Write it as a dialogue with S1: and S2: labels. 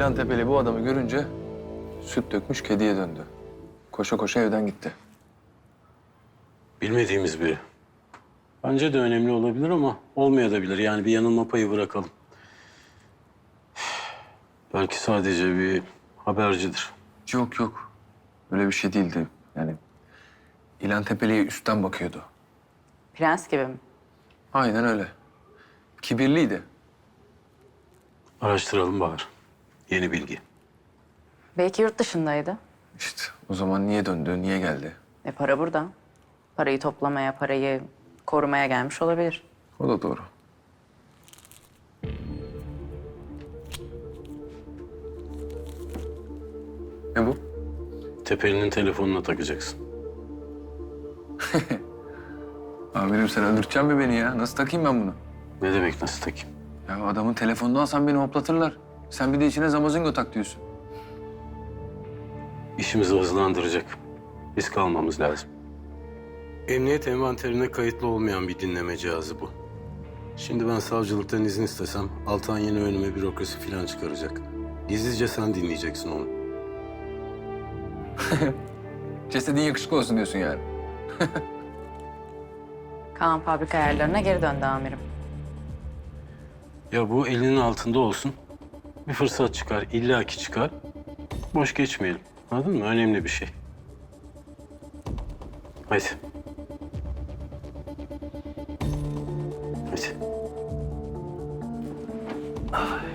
S1: İlan Tepeli bu adamı görünce süt dökmüş kediye döndü. Koşa koşa evden gitti.
S2: Bilmediğimiz biri. Bence de önemli olabilir ama olmayabilir. Yani bir yanılma payı bırakalım. Belki sadece bir habercidir.
S1: Yok yok. Öyle bir şey değildi. Yani İlan Tepeli'ye üstten bakıyordu.
S3: Prens gibi mi?
S1: Aynen öyle. Kibirliydi.
S2: Araştıralım Bahar. Yeni bilgi.
S3: Belki yurt dışındaydı.
S1: İşte o zaman niye döndü, niye geldi?
S3: Para burada. Parayı toplamaya, parayı korumaya gelmiş olabilir.
S1: O da doğru. Ne bu?
S2: Tepeli'nin telefonuna takacaksın.
S1: Amirim sen öldüreceksin mi beni ya? Nasıl takayım ben bunu?
S2: Ne demek nasıl takayım?
S1: Ya adamın telefonunu alsam beni hoplatırlar. Sen bir de içine zamazingo tak diyorsun.
S2: İşimizi hızlandıracak. Risk almamız lazım. Emniyet envanterine kayıtlı olmayan bir dinleme cihazı bu. Şimdi ben savcılıktan izin istesem Altan yeni önüme bürokrasi falan çıkaracak. Gizlice sen dinleyeceksin onu.
S1: Cesedin yakışıklı olsun diyorsun yani.
S3: Kaan fabrika ayarlarına geri döndü amirim.
S2: Ya bu elinin altında olsun. Bir fırsat çıkar, illaki çıkar. Boş geçmeyelim. Anladın mı? Önemli bir şey. Hadi. Hadi. Ay.